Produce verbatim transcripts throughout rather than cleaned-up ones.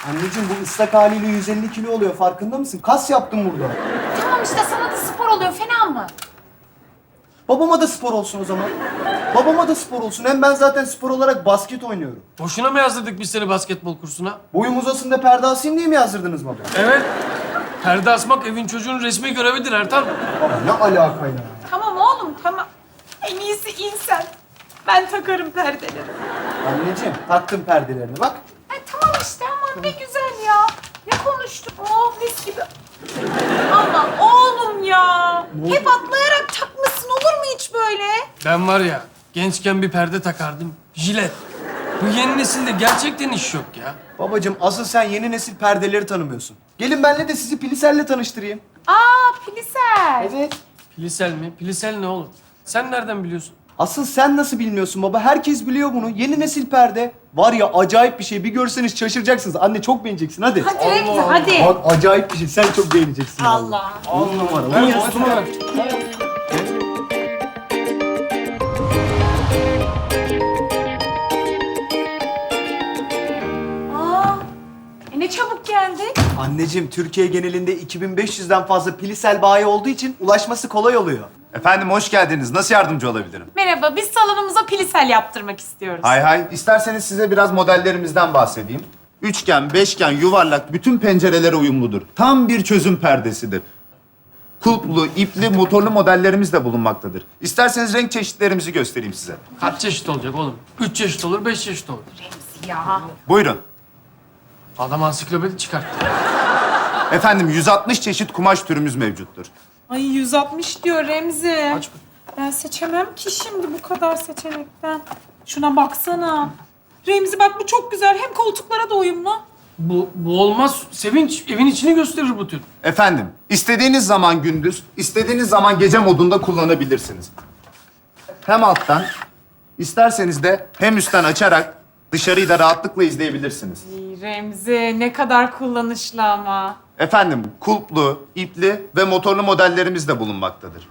Anneciğim bu ıslak haliyle yüz elli kilo oluyor. Farkında mısın? Kas yaptım burada. Tamam işte sana da spor oluyor. Fena mı? Babama da spor olsun o zaman. Babama da spor olsun. Hem ben zaten spor olarak basket oynuyorum. Boşuna mı yazdırdık biz seni basketbol kursuna? Boyum uzasın da perde asayım diye mi yazdırdınız baba? Evet. Perde asmak evin çocuğun resmi görevidir Ertan. Baba ne alaka ya? Tamam oğlum tamam. En iyisi in sen. Ben takarım perdeleri. Anneciğim taktım perdelerini bak. Ay, tamam işte aman ne güzel ya. Ne konuştuk? Oh mis gibi. Ama oğlum ya. Hep atlayarak takmışsın olur mu hiç böyle? Ben var ya gençken bir perde takardım. Jilet. Bu yeni nesilde gerçekten iş yok ya. Babacığım asıl sen yeni nesil perdeleri tanımıyorsun. Gelin benle de sizi Pliser'le tanıştırayım. Aa Pilisel. Evet. Pilisel mi? Pilisel ne oğlum? Sen nereden biliyorsun? Asıl sen nasıl bilmiyorsun baba? Herkes biliyor bunu. Yeni nesil perde. Var ya acayip bir şey. Bir görseniz şaşıracaksınız. Anne çok beğeneceksin hadi. Hadi Remzi hadi. Bak acayip bir şey. Sen çok beğeneceksin. Allah. On numara. Ver Uy, postumu ver. Aa, e ne çabuk geldi. Anneciğim Türkiye genelinde iki bin beş yüzden fazla Plisel bayi olduğu için ulaşması kolay oluyor. Efendim hoş geldiniz. Nasıl yardımcı olabilirim? Merhaba, biz salonumuza Pilisel yaptırmak istiyoruz. Hay hay. İsterseniz size biraz modellerimizden bahsedeyim. Üçgen, beşgen, yuvarlak bütün pencerelere uyumludur. Tam bir çözüm perdesidir. Kulplu, ipli, motorlu modellerimiz de bulunmaktadır. İsterseniz renk çeşitlerimizi göstereyim size. Kaç çeşit olacak oğlum? Üç çeşit olur, beş çeşit olur. Ya. Buyurun. Adam ansiklopedi çıkarttı. Efendim yüz altmış çeşit kumaş türümüz mevcuttur. Ay yüz altmış diyor Remzi. Kaç? Ben seçemem ki şimdi bu kadar seçenekten. Şuna baksana. Remzi bak bu çok güzel. Hem koltuklara da uyumlu. Bu, bu olmaz. Sevinç evin içini gösterir bu tür. Efendim, istediğiniz zaman gündüz, istediğiniz zaman gece modunda kullanabilirsiniz. Hem alttan, isterseniz de hem üstten açarak dışarıyı da rahatlıkla izleyebilirsiniz. Ay Remzi ne kadar kullanışlı ama. Efendim, kulplu, ipli ve motorlu modellerimiz de bulunmaktadır.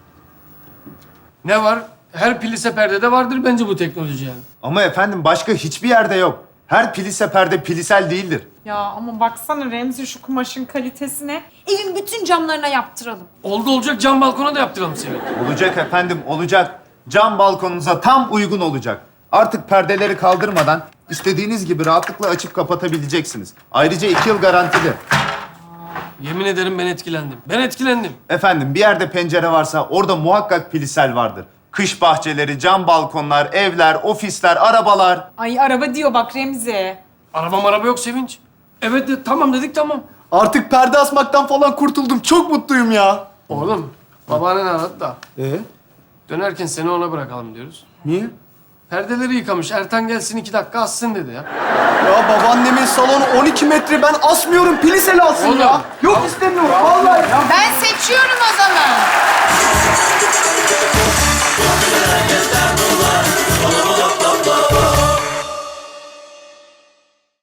Ne var? Her plise perdede vardır bence bu teknoloji yani. Ama efendim başka hiçbir yerde yok. Her plise perde plisel değildir. Ya ama baksana Remzi şu kumaşın kalitesine. Evin bütün camlarına yaptıralım. Oldu olacak cam balkona da yaptıralım Sevinç. Olacak efendim, olacak. Cam balkonunuza tam uygun olacak. Artık perdeleri kaldırmadan istediğiniz gibi rahatlıkla açıp kapatabileceksiniz. Ayrıca iki yıl garantili. Yemin ederim ben etkilendim. Ben etkilendim. Efendim bir yerde pencere varsa orada muhakkak plisel vardır. Kış bahçeleri, cam balkonlar, evler, ofisler, arabalar. Ay araba diyor bak Remzi. Arabam araba yok Sevinç. Evet de tamam dedik tamam. Artık perde asmaktan falan kurtuldum. Çok mutluyum ya. Oğlum babaannen aradı da Ee? dönerken seni ona bırakalım diyoruz. Niye? Perdeleri yıkamış. Ertan gelsin iki dakika assın dedi ya. Ya babaannemin salonu on iki metre. Ben asmıyorum. Plisel alsın Oğlum. ya. Yok istemiyorum. Vallahi ya. Ben seçiyorum